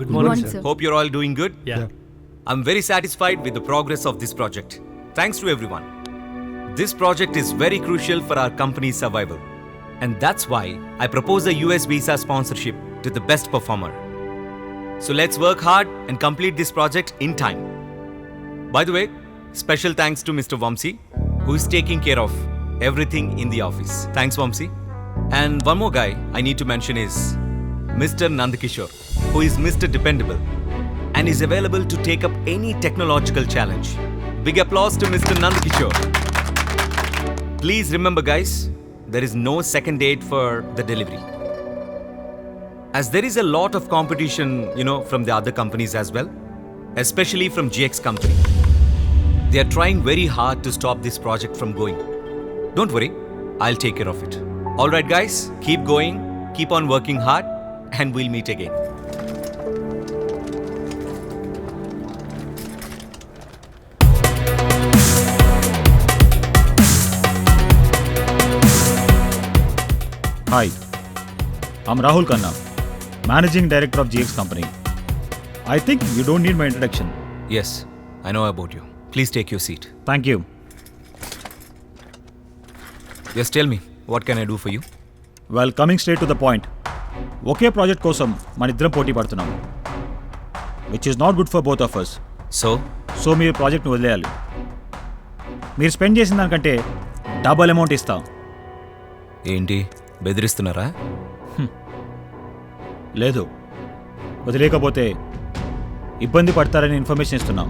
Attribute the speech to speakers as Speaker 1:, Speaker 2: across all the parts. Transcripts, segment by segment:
Speaker 1: Good morning, sir.
Speaker 2: Hope you're all doing good.
Speaker 1: Yeah.
Speaker 2: I'm very satisfied with the progress of this project. Thanks to everyone. This project is very crucial for our company's survival. And that's why I propose a US visa sponsorship to the best performer. So let's work hard and complete this project in time. By the way, special thanks to Mr. Vamsi, who is taking care of everything in the office. Thanks, Vamsi. And one more guy I need to mention is Mr. Nandakishore, who is Mr. Dependable and is available to take up any technological challenge. Big applause to Mr. Nandakishore. Please remember, guys, there is no second date for the delivery. As there is a lot of competition, from the other companies as well, especially from GX company. They are trying very hard to stop this project from going. Don't worry, I'll take care of it. All right, guys, keep going, keep on working hard, and we'll meet again.
Speaker 3: Hi, I'm Rahul Khanna, Managing Director of GX Company. I think you don't need my introduction.
Speaker 2: Yes, I know about you. Please take your seat.
Speaker 3: Thank you.
Speaker 2: Yes, tell me, what can I do for you?
Speaker 3: Well, coming straight to the point. ఒకే project కోసం మన ఇద్దరం పోటీ పడుతున్నాం, which is not good for both of us.
Speaker 2: So
Speaker 3: మీరు ప్రాజెక్ట్ని వదిలేయాలి. మీరు స్పెండ్ చేసిన దానికంటే డబల్ అమౌంట్ ఇస్తాం.
Speaker 2: ఏంటి, బెదిరిస్తున్నారా?
Speaker 3: లేదు, వదిలేకపోతే ఇబ్బంది పడతారని ఇన్ఫర్మేషన్ ఇస్తున్నాం.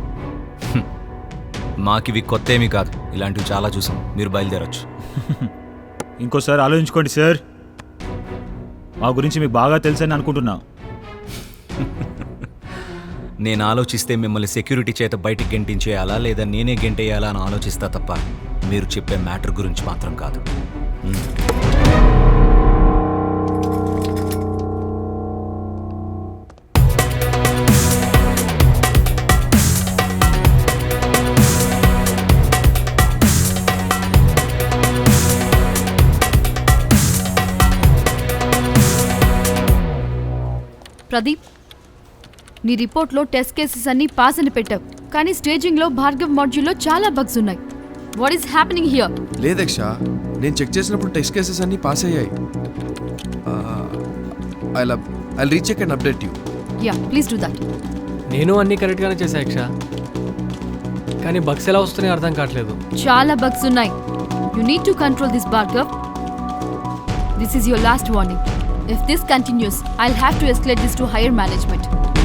Speaker 2: మాకివి కొత్త ఏమీ కాదు, ఇలాంటివి చాలా చూసాం. మీరు బయలుదేరొచ్చు.
Speaker 3: ఇంకోసారి ఆలోచించుకోండి సార్, మా గురించి మీకు బాగా తెలుసని అనుకుంటున్నా.
Speaker 2: నేను ఆలోచిస్తే మిమ్మల్ని సెక్యూరిటీ చేత బయటికి గెంటించేయాలా లేదా నేనే గెంటేయాలా అని ఆలోచిస్తా తప్ప మీరు చెప్పే మ్యాటర్ గురించి మాత్రం కాదు.
Speaker 4: ప్రదీప్, నీ రిపోర్ట్లో టెస్ట్ కేసెస్ అన్ని పాస్ అని పెట్టావు, కానీ స్టేజింగ్లో భార్గవ్ మాడ్యూల్లో చాలా బగ్స్ ఉన్నాయి. What is happening here?
Speaker 5: లేదక్ష, నేను చెక్ చేసినప్పుడు టెస్ట్ కేసెస్ అన్ని పాస్ అయ్యాయి. I recheck and update you.
Speaker 4: Yeah, please do that.
Speaker 1: నేను అన్ని కరెక్ట్గానే చేశా యక్ష, కానీ బగ్స్ ఎలా వస్తున్నాయో అర్థం కావట్లేదు.
Speaker 4: చాలా బగ్స్ ఉన్నాయి. You need to control this Bhargav. This is your last warning. If this continues, I'll have to escalate this to higher management.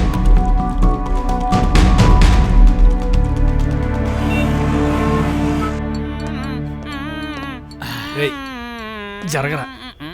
Speaker 1: రేయ్, జరగరా.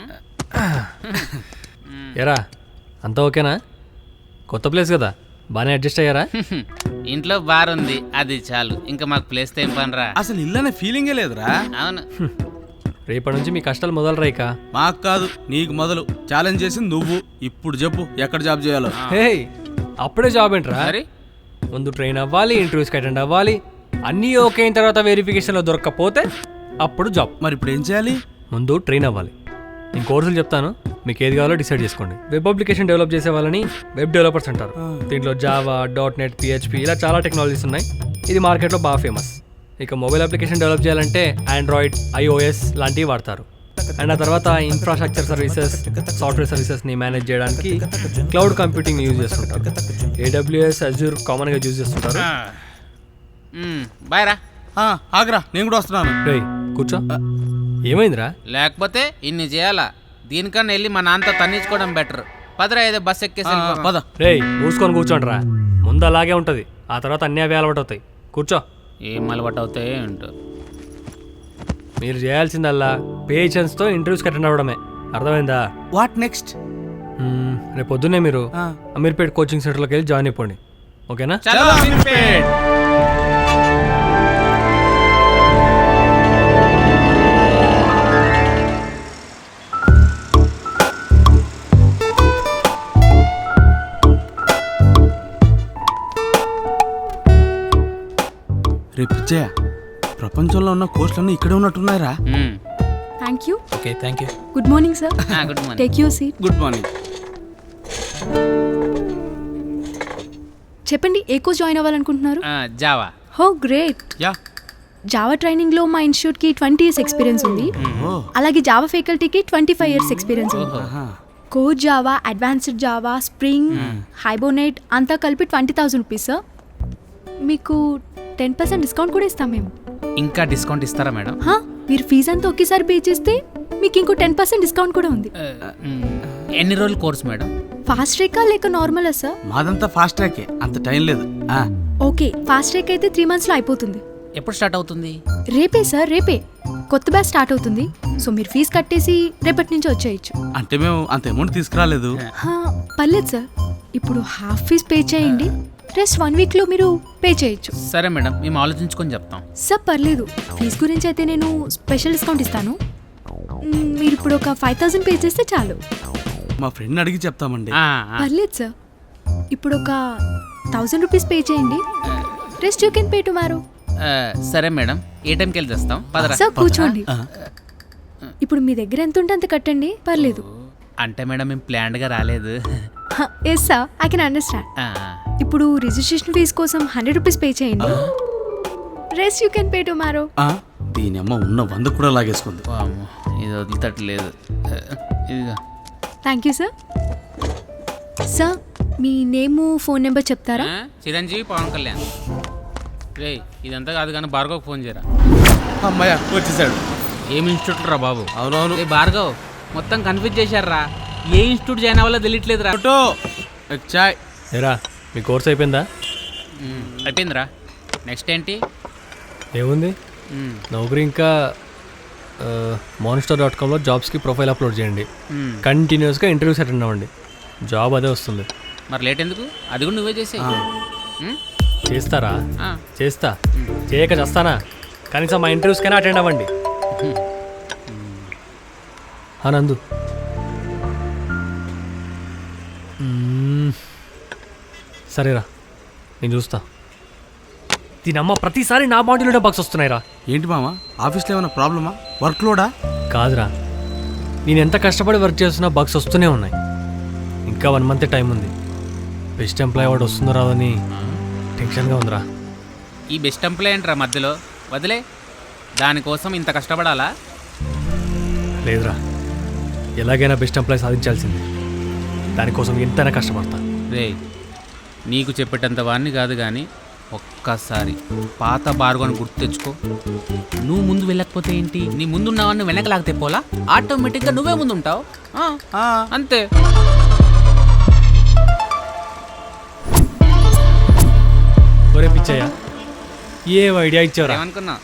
Speaker 1: ఎరా, అంతా ఓకేనా? కొత్త ప్లేస్ కదా, బాగానే అడ్జస్ట్ అయ్యారా?
Speaker 6: ఇంట్లో బార్ ఉంది, అది చాలు. ఇంకా మాకు ప్లేస్ ఏం పనిరా.
Speaker 7: అసలు ఇల్లనే ఫీలింగే లేదురా.
Speaker 6: అవును,
Speaker 1: రేపటి నుంచి మీ కష్టాలు మొదలు రైక.
Speaker 7: మాకు కాదు, నీకు మొదలు. ఛాలెంజ్ చేసింది నువ్వు. ఇప్పుడు చెప్పు, ఎక్కడ జాబ్ చేయాలో.
Speaker 1: హే, అప్పుడే జాబ్ ఏంట్రా?
Speaker 6: మరి
Speaker 1: ముందు ట్రైన్ అవ్వాలి, ఇంటర్వ్యూస్కి అటెండ్ అవ్వాలి, అన్నీ ఓకే అయిన తర్వాత వెరిఫికేషన్లో దొరకకపోతే అప్పుడు జాబ్.
Speaker 7: మరి ఇప్పుడు ఏం చేయాలి?
Speaker 1: ముందు ట్రైన్ అవ్వాలి. నేను కోర్సులు చెప్తాను, మీకు ఏది కావాలో డిసైడ్ చేసుకోండి. వెబ్ అప్లికేషన్ డెవలప్ చేసే వాళ్ళని వెబ్ డెవలపర్స్ అంటారు. దీంట్లో జావా, .NET, PHP ఇలా చాలా టెక్నాలజీస్ ఉన్నాయి. ఇది మార్కెట్లో బాగా ఫేమస్. ఇక మొబైల్ అప్లికేషన్ డెవలప్ చేయాలంటే ఆండ్రాయిడ్, iOS లాంటివి వాడతారు. అండ్ ఆ తర్వాత ఇన్ఫ్రాస్ట్రక్చర్ సర్వీసెస్, సాఫ్ట్వేర్ సర్వీసెస్ని మేనేజ్ చేయడానికి క్లౌడ్ కంప్యూటింగ్ యూజ్ చేస్తుంటారు. AWS, Azure కామన్గా యూజ్ చేస్తుంటారు.
Speaker 6: బాయ్ రా.
Speaker 7: ఆగ్రా, నేను కూడా వస్తున్నాను.
Speaker 1: రేయ్, కూర్చో. ఏమైందిరా?
Speaker 6: లేకపోతే ఇన్ని చేయాలా? దీనికన్నా వెళ్ళి మా నాన్నతో తన్నించుకోవడం బెటర్. పదరా, ఏదో బస్ ఎక్కేసి
Speaker 7: పద.
Speaker 1: రేయ్, మూసుకొని కూర్చోండిరా. ముందు అలాగే ఉంటుంది, ఆ తర్వాత అన్నీ అవే అలవాటు అవుతాయి. కూర్చో.
Speaker 6: ఏం అలవాటు అవుతాయి ఏంటో.
Speaker 1: మీరు చేయాల్సిందల్లా పేషెన్స్తో ఇంటర్వ్యూస్కి అటెండ్ అవ్వడమే. అర్థమైందా?
Speaker 7: What next?
Speaker 1: రేపు పొద్దున్నే మీరు అమీర్పేట్ కోచింగ్ సెంటర్లోకి వెళ్ళి జాయిన్ అయిపోండి. ఓకేనా?
Speaker 6: చలో అమీర్పేట్.
Speaker 7: రేపు పిచ్చయ్య, ప్రపంచంలో ఉన్న కోర్సులన్నీ ఇక్కడే ఉన్నట్టున్నాయిరా.
Speaker 4: Thank you.
Speaker 1: Okay, thank you.
Speaker 4: Good morning sir.
Speaker 6: Good morning.
Speaker 4: Take your seat.
Speaker 7: Good morning.
Speaker 8: చెప్పండి ఏ కోర్స్ జాయిన్ అవ్వాలనుకుంటున్నారు?
Speaker 6: Java.
Speaker 8: Oh great.
Speaker 7: Yeah.
Speaker 8: Java ట్రైనింగ్లో మా ఇన్స్టిట్యూట్కి 20 years ఎక్స్పీరియన్స్ ఉంది. అలాగే జావా ఫ్యాకల్టీకి 25 years ఎక్స్పీరియన్స్ ఉంది. Core Java, advanced Java, spring, Hibernate అంతా కలిపి 20,000 రూపీస్ సార్. మీకు 10% డిస్కౌంట్ కూడా ఇస్తాం మేము.
Speaker 6: ఇంకా డిస్కౌంట్ ఇస్తారా మేడం?
Speaker 8: హా, మీరు ఫీజు అంతా ఒకేసారి పే చేస్తే మీకు ఇంకో 10% డిస్కౌంట్ కూడా ఉంది.
Speaker 6: ఎన్ని రోజులు కోర్స్ మేడం?
Speaker 8: ఫాస్ట్ ట్రాకా లేక నార్మలా సార్?
Speaker 7: మాదంతా ఫాస్ట్ ట్రాకే, అంత టైం లేదు.
Speaker 8: ఓకే, ఫాస్ట్ ట్రాక్ అయితే 3 monthsలో అయిపోతుంది.
Speaker 6: ఎప్పుడు స్టార్ట్ అవుతుంది?
Speaker 8: రేపే సార్, రేపే కొత్త బ్యాచ్ స్టార్ట్ అవుతుంది. సో మీరు ఫీజు కట్టేసి రేపటి నుంచి వచ్చేయచ్చు.
Speaker 7: అంటే మేము అంత అమౌంట్ తీసుకురాలేదు.
Speaker 8: హా, పర్లేదు సార్, ఇప్పుడు హాఫ్ ఫీజ్ పే చేయండి, రెస్ట్ 1 weekలో మీరు పే చేయొచ్చు.
Speaker 6: సరే మేడం, మేము ఆలోచించుకొని చెప్తాం.
Speaker 8: సార్ పర్లేదు, ఫీజు గురించి అయితే నేను స్పెషల్ డిస్కౌంట్ ఇస్తాను. మీరు ఇప్పుడు ఒక 5,000 పే చేస్తే చాలు.
Speaker 7: మా ఫ్రెండ్ అడిగి చెప్తామండి.
Speaker 8: పర్లేదు సార్, ఇప్పుడు ఒక 1,000 రూపీస్ పే చేయండి, rest you can pay tomorrow.
Speaker 6: సరే మేడం, ఏ టైంకి వెళ్ళి తెస్తాం? పదరా.
Speaker 8: సార్ కూర్చోండి. ఇప్పుడు మీ దగ్గర ఎంత ఉంటే అంత కట్టండి, పర్లేదు.
Speaker 6: అంటే మేడం మేము ప్లాన్డ్గా రాలేదు.
Speaker 8: Yes sir, I can understand. ఇప్పుడు రిజిస్ట్రేషన్ ఫీజు కోసం 100 రూపీస్ పే చేయండి, rest you can pay tomorrow.
Speaker 7: దీని అమ్మ ఉన్న 100 కూడా లాగేసుకుంది.
Speaker 6: వామ్మో, ఇది వదిలితట్లేదు. ఇదిగా.
Speaker 8: Thank you sir. సార్ మీ నేము, ఫోన్ నెంబర్ చెప్తారా?
Speaker 6: చిరంజీవి పవన్ కళ్యాణ్. రే ఇదంతా కాదు కానీ భార్గవ్ ఫోన్ చేయరా.
Speaker 7: అమ్మాయ వచ్చేసాడు.
Speaker 6: ఏం ఇన్స్టిట్యూట్ రా బాబు?
Speaker 7: అవునవును.
Speaker 6: ఏ భార్గవ్, మొత్తం కన్ఫ్యూజ్ చేశారా. ఏ ఇన్స్టిట్యూట్ జాయిన్ అవ్వాలో తెలియట్లేదు రా.
Speaker 7: చాయ్.
Speaker 1: ఏరా మీ కోర్స్ అయిపోయిందా?
Speaker 6: అయిపోయిందిరా. నెక్స్ట్ ఏంటి?
Speaker 1: ఏముంది, నౌకరీ ఇంకా monster.comలో జాబ్స్కి ప్రొఫైల్ అప్లోడ్ చేయండి. కంటిన్యూస్గా ఇంటర్వ్యూస్ అటెండ్ అవ్వండి, జాబ్ అదే వస్తుంది.
Speaker 6: మరి లేట్ ఎందుకు? అది కూడా నువ్వే చేసే.
Speaker 1: చేస్తారా? చేస్తా. చేయక చేస్తానా? కనీసం మా ఇంటర్వ్యూస్కైనా అటెండ్ అవ్వండి. నందు సరేరా, నేను చూస్తా. దీనమ్మ ప్రతిసారి నా బాడీలోనే బగ్స్ వస్తున్నాయిరా.
Speaker 7: ఏంటి మామ, ఆఫీస్లో ఏమైనా ప్రాబ్లమా? వర్క్ లోడా?
Speaker 1: కాదురా, నేను ఎంత కష్టపడి వర్క్ చేస్తున్నా బగ్స్ వస్తూనే ఉన్నాయి. ఇంకా 1 month టైం ఉంది. బెస్ట్ ఎంప్లాయ్ అవార్డు వస్తుందో రాదని టెన్షన్గా ఉందిరా.
Speaker 6: ఈ బెస్ట్ ఎంప్లాయ్ ఏంట్రా మధ్యలో? వదిలే, దానికోసం ఇంత కష్టపడాలా?
Speaker 1: లేదురా, ఎలాగైనా బెస్ట్ ఎంప్లాయ్ సాధించాల్సింది. దానికోసం ఎంతైనా కష్టపడతా.
Speaker 6: రే నీకు చెప్పేటంత వాడిని కాదు కానీ ఒక్కసారి పాత బార్గోని గుర్తు తెచ్చుకో. నువ్వు ముందు వెళ్ళకపోతే ఏంటి, నీ ముందున్నవాడిని వెనక లాగితే పోలా, ఆటోమేటిక్గా నువ్వే ముందు ఉంటావు. అంతే.
Speaker 1: ఒరే పిచ్చయ్య, ఏ ఐడియా ఇచ్చావురా?
Speaker 6: ఏమనుకున్నా?